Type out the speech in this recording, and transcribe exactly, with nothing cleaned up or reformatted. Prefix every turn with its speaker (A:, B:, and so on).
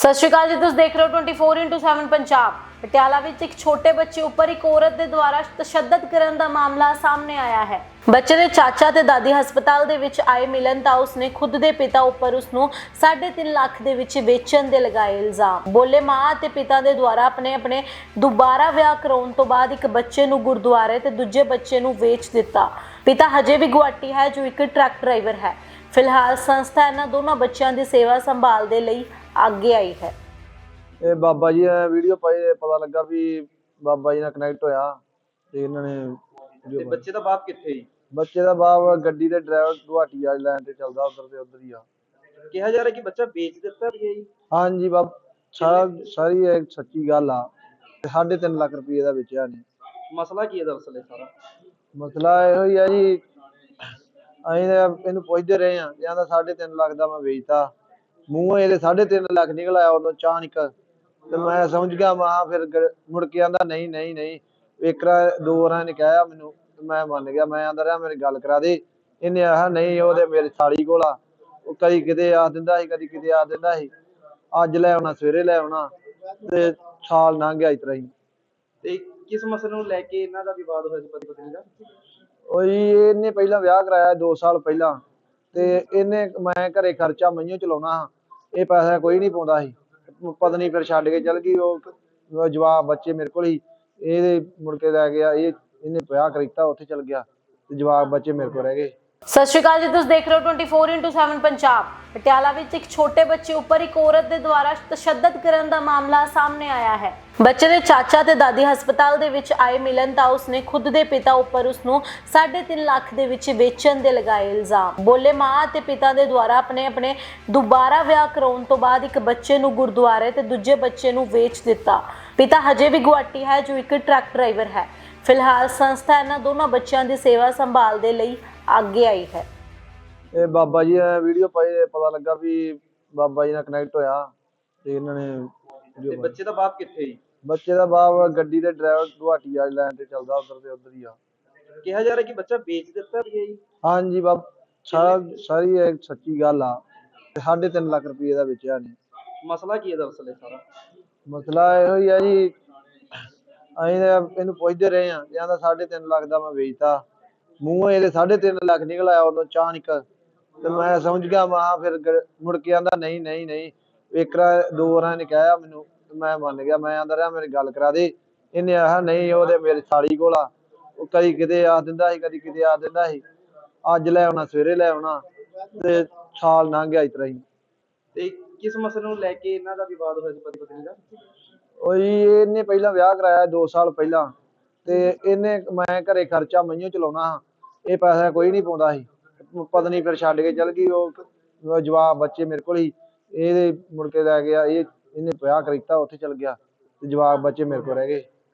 A: ਸਤਿ ਸ਼੍ਰੀ ਅਕਾਲ ਜੀ, ਤੁਸੀਂ ਦੇਖ ਰਹੇ ਹੋ twenty four into seven Punjab. Patiala ਵਿੱਚ ਇੱਕ ਛੋਟੇ ਬੱਚੇ ਉੱਪਰ ਇੱਕ ਔਰਤ ਦੇ ਦੁਆਰਾ ਤਸ਼ੱਦਦ ਕਰਨ ਦਾ ਮਾਮਲਾ ਸਾਹਮਣੇ ਆਇਆ ਹੈ। ਬੱਚੇ ਦੇ ਚਾਚਾ ਤੇ ਦਾਦੀ ਹਸਪਤਾਲ ਦੇ ਵਿੱਚ ਆਏ ਮਿਲਣ ਤਾਂ ਉਸਨੇ ਖੁਦ ਦੇ ਪਿਤਾ ਉੱਪਰ ਉਸਨੂੰ ਸਾਢੇ ਤਿੰਨ ਲੱਖ ਦੇ ਵਿੱਚ ਵੇਚਣ ਦੇ ਲਗਾਏ ਇਲਜ਼ਾਮ। ਬੋਲੇ ਮਾਂ ਤੇ ਪਿਤਾ ਦੇ ਦੁਆਰਾ ਆਪਣੇ ਆਪਣੇ ਦੁਬਾਰਾ ਵਿਆਹ ਕਰਾਉਣ ਤੋਂ ਬਾਅਦ ਇੱਕ ਬੱਚੇ ਨੂੰ ਗੁਰਦੁਆਰੇ ਤੇ ਦੂਜੇ ਬੱਚੇ ਨੂੰ ਵੇਚ ਦਿੱਤਾ। ਪਿਤਾ ਹਜੇ ਵੀ ਗੁਆਟੀ ਹੈ ਜੋ ਇੱਕ ਟਰੱਕ ਡਰਾਈਵਰ ਹੈ। ਫਿਲਹਾਲ ਸੰਸਥਾ ਇਹਨਾਂ ਦੋਨੋਂ ਬੱਚਿਆਂ ਦੀ ਸੇਵਾ ਸੰਭਾਲ ਦੇ ਲਈ ਅੱਗੇ आई है।
B: ਇਹ ਬਾਬਾ ਜੀ ਨੇ ਵੀਡੀਓ ਪਾਈ, ਪਤਾ ਲੱਗਾ ਵੀ ਬਾਬਾ ਜੀ ਨਾਲ ਕਨੈਕਟ ਹੋਇਆ ਤੇ ਇਹਨਾਂ ਨੇ
C: ਤੇ ਬੱਚੇ ਦਾ ਬਾਪ ਕਿੱਥੇ ਜੀ?
B: ਬੱਚੇ ਦਾ ਬਾਪ ਗੱਡੀ ਦੇ ਡਰਾਈਵਰ ਗੁਹਾਟੀ ਵਾਲੀ ਲਾਈਨ ਤੇ ਚੱਲਦਾ, ਉਧਰ ਤੇ ਉਧਰ ਹੀ ਆ।
C: ਕਿਹਾ ਜਾ ਰਿਹਾ ਕਿ ਬੱਚਾ ਵੇਚ ਦਿੱਤਾ ਵੀ ਹੈ ਜੀ?
B: ਹਾਂਜੀ ਬਾਬ, ਸਾਰਾ ਸਾਰੀ ਇਹ ਸੱਚੀ ਗੱਲ ਆ। ਸਾਢੇ ਤਿੰਨ ਲੱਖ ਰੁਪਏ ਦਾ ਵੇਚਿਆ ਨੇ।
C: ਮਸਲਾ ਕੀ ਹੈ ਦਰਅਸਲ ਇਹ ਸਾਰਾ?
B: ਮਸਲਾ ਇਹੋ ਹੀ ਆ ਜੀ, ਅਸੀਂ ਤਾਂ ਇਹਨੂੰ ਪੁੱਛਦੇ ਰਹੇ ਆ, ਕਹਿੰਦਾ ਸਾਢੇ ਤਿੰਨ ਲੱਖ ਦਾ ਮੈਂ ਵੇਚਤਾ। ਮੂੰਹੋਂ ਇਹਦੇ ਸਾਢੇ ਤਿੰਨ ਲੱਖ ਨਿਕਲ ਆਇਆ ਉਦੋਂ ਅਚਾਨਕ, ਤੇ ਮੈਂ ਸਮਝ ਗਿਆ। ਮੈਂ ਫਿਰ ਮੁੜ ਕੇ ਆਂਦਾ ਨਹੀਂ ਨਹੀਂ ਨਹੀਂ ਇੱਕ ਦੋ ਵਾਰਾਂ ਨੇ ਕਿਹਾ ਮੈਨੂੰ, ਮੈਂ ਮੰਨ ਗਿਆ। ਮੈਂ ਆਂਦਾ ਰਿਹਾ ਮੇਰੀ ਗੱਲ ਕਰਾ ਦੇ। ਇਹਨੇ ਆਹ ਨਹੀਂ, ਉਹਦੇ ਮੇਰੀ ਸਾਲੀ ਕੋਲ ਆ, ਉਹ ਕਦੀ ਕਿਤੇ ਆ ਦਿੰਦਾ ਸੀ, ਕਦੀ ਕਿਤੇ ਆ ਦਿੰਦਾ ਸੀ। ਅੱਜ ਲੈ ਆਉਣਾ, ਸਵੇਰੇ ਲੈ ਆਉਣਾ, ਤੇ ਸਾਲ ਲੰਘ ਗਿਆ ਇਸ ਤਰ੍ਹਾਂ ਹੀ।
C: ਤੇ ਕਿਸ ਮਸਲੇ ਨੂੰ ਲੈ ਕੇ ਇਹਨਾਂ ਦਾ ਵਿਵਾਦ ਹੋਇਆ ਸੀ ਪਤੀ ਪਤਨੀ ਦਾ? ਉਹ
B: ਜੀ ਇਹਨੇ ਪਹਿਲਾਂ ਵਿਆਹ ਕਰਾਇਆ ਦੋ ਸਾਲ ਪਹਿਲਾਂ, ਤੇ ਇਹਨੇ ਮੈਂ ਘਰੇ ਖਰਚਾ ਮਈਓ ਚਲਾਉਣਾ ਹਾਂ, ਇਹ ਪੈਸਾ ਕੋਈ ਨਹੀਂ ਪਾਉਂਦਾ ਸੀ। ਪਤਨੀ ਫਿਰ ਛੱਡ ਕੇ ਚਲ ਗਈ। ਉਹ ਜਵਾਬ ਬੱਚੇ ਮੇਰੇ ਕੋਲ ਹੀ, ਇਹਦੇ ਮੁੜ ਕੇ ਲੈ ਗਿਆ। ਇਹ ਇਹਨੇ ਵਿਆਹ ਕਰੀਤਾ, ਉੱਥੇ ਚਲ ਗਿਆ, ਤੇ ਜਵਾਬ ਬੱਚੇ ਮੇਰੇ ਕੋਲ ਰਹਿ ਗਏ।
A: ਸਤਿ ਸ਼੍ਰੀ ਅਕਾਲ ਜੀ, ਤੁਸੀਂ ਦੇਖ ਰਹੇ ਹੋ twenty four into seven Punjab. Patiala ਵਿੱਚ ਇੱਕ ਛੋਟੇ ਬੱਚੇ ਉੱਪਰ ਇੱਕ ਔਰਤ ਦੇ ਦੁਆਰਾ ਤਸ਼ੱਦਦ ਕਰਨ ਦਾ ਮਾਮਲਾ ਸਾਹਮਣੇ ਆਇਆ ਹੈ। ਬੱਚੇ ਦੇ ਚਾਚਾ ਤੇ ਦਾਦੀ ਹਸਪਤਾਲ ਦੇ ਵਿੱਚ ਆਏ ਮਿਲਣ ਤਾਂ ਉਸਨੇ ਖੁਦ ਦੇ ਪਿਤਾ ਉੱਪਰ ਉਸਨੂੰ ਸਾਢੇ ਤਿੰਨ ਲੱਖ ਦੇ ਵਿੱਚ ਵੇਚਣ ਦੇ ਲਗਾਏ ਇਲਜ਼ਾਮ। ਬੋਲੇ ਮਾਂ ਤੇ ਪਿਤਾ ਦੇ ਦੁਆਰਾ ਆਪਣੇ ਆਪਣੇ ਦੁਬਾਰਾ ਵਿਆਹ ਕਰਾਉਣ ਤੋਂ ਬਾਅਦ ਇੱਕ ਬੱਚੇ ਨੂੰ ਗੁਰਦੁਆਰੇ ਤੇ ਦੂਜੇ ਬੱਚੇ ਨੂੰ ਵੇਚ ਦਿੱਤਾ। ਪਿਤਾ ਹਜੇ ਵੀ ਗੁਆਟੀ ਹੈ ਜੋ ਇੱਕ ਟਰੱਕ ਡਰਾਈਵਰ ਹੈ। ਫਿਲਹਾਲ ਸੰਸਥਾ ਇਹਨਾਂ ਦੋਨੋਂ ਬੱਚਿਆਂ ਦੀ ਸੇਵਾ ਸੰਭਾਲ ਦੇ ਲਈ ਅੱਗੇ आई है।
B: ਇਹ ਬਾਬਾ ਜੀ ਨੇ ਵੀਡੀਓ ਪਾਈ, ਪਤਾ ਲੱਗਾ ਵੀ ਬਾਬਾ ਜੀ ਨਾਲ ਕਨੈਕਟ ਹੋਇਆ ਤੇ ਇਹਨਾਂ ਨੇ।
C: ਤੇ ਬੱਚੇ ਦਾ ਬਾਪ ਕਿੱਥੇ ਜੀ?
B: ਬੱਚੇ ਦਾ ਬਾਪ ਗੱਡੀ ਦੇ ਡਰਾਈਵਰ ਗੁਹਾਟੀ ਵਾਲੀ ਲਾਈਨ ਤੇ ਚੱਲਦਾ, ਉਧਰ ਤੇ ਉਧਰ ਹੀ ਆ।
C: ਕਿਹਾ ਜਾ ਰਿਹਾ ਕਿ ਬੱਚਾ ਵੇਚ ਦਿੱਤਾ ਵੀ ਹੈ ਜੀ?
B: ਹਾਂਜੀ ਬਾਬ, ਸਾਰਾ ਸਾਰੀ ਇਹ ਸੱਚੀ ਗੱਲ ਆ। ਸਾਢੇ ਤਿੰਨ ਲੱਖ ਰੁਪਏ ਦਾ ਵੇਚਿਆ ਨੇ।
C: ਮਸਲਾ ਕੀ ਹੈ ਦਰਅਸਲ ਇਹ ਸਾਰਾ?
B: ਮਸਲਾ ਇਹੋ ਹੀ ਆ ਜੀ, ਅਸੀਂ ਤਾਂ ਇਹਨੂੰ ਪੁੱਛਦੇ ਰਹੇ ਆ, ਕਹਿੰਦਾ ਸਾਢੇ ਤਿੰਨ ਲੱਖ ਦਾ ਮੈਂ ਵੇਚਤਾ। ਮੂੰਹੋਂ ਇਹਦੇ ਸਾਢੇ ਤਿੰਨ ਲੱਖ ਨਿਕਲ ਆਇਆ ਉਦੋਂ ਅਚਾਨਕ, ਤੇ ਮੈਂ ਸਮਝ ਗਿਆ। ਮੈਂ ਫਿਰ ਮੁੜ ਕੇ ਆਂਦਾ ਨਹੀਂ ਨਹੀਂ ਨਹੀਂ ਇੱਕ ਦੋ ਵਾਰਾਂ ਨੇ ਕਿਹਾ ਮੈਨੂੰ, ਮੈਂ ਮੰਨ ਗਿਆ। ਮੈਂ ਆਂਦਾ ਰਿਹਾ ਮੇਰੀ ਗੱਲ ਕਰਾ ਦੇ। ਇਹਨੇ ਆਹ ਨਹੀਂ, ਉਹਦੇ ਮੇਰੀ ਸਾਲੀ ਕੋਲ ਆ, ਉਹ ਕਦੀ ਕਿਤੇ ਆ ਦਿੰਦਾ ਸੀ, ਕਦੀ ਕਿਤੇ ਆ ਦਿੰਦਾ ਸੀ। ਅੱਜ ਲੈ ਆਉਣਾ, ਸਵੇਰੇ ਲੈ ਆਉਣਾ, ਤੇ ਸਾਲ ਲੰਘ ਗਿਆ ਇਸ ਤਰ੍ਹਾਂ ਹੀ।
C: ਤੇ ਕਿਸ ਮਸਲੇ ਨੂੰ ਲੈ ਕੇ ਇਹਨਾਂ ਦਾ ਵਿਵਾਦ ਹੋਇਆ ਸੀ ਪਤੀ ਪਤਨੀ ਦਾ?
B: ਉਹ ਜੀ ਇਹਨੇ ਪਹਿਲਾਂ ਵਿਆਹ ਕਰਾਇਆ ਦੋ ਸਾਲ ਪਹਿਲਾਂ, ਤੇ ਇਹਨੇ ਮੈਂ ਘਰੇ ਖਰਚਾ ਮਈਓ ਚਲਾਉਣਾ ਹਾਂ, ਇਹ ਪੈਸਾ ਕੋਈ ਨਹੀਂ ਪਾਉਂਦਾ ਸੀ। ਪਤਨੀ ਫਿਰ ਛੱਡ ਕੇ ਚਲ ਗਈ। ਉਹ ਜਵਾਬ ਬੱਚੇ ਮੇਰੇ ਕੋਲ ਹੀ, ਇਹਦੇ ਮੁੜ ਕੇ ਲੈ ਗਿਆ। ਇਹ ਇਹਨੇ ਵਿਆਹ ਕਰੀਤਾ, ਉੱਥੇ ਚਲ ਗਿਆ, ਤੇ ਜਵਾਬ ਬੱਚੇ ਮੇਰੇ ਕੋਲ ਰਹਿ ਗਏ।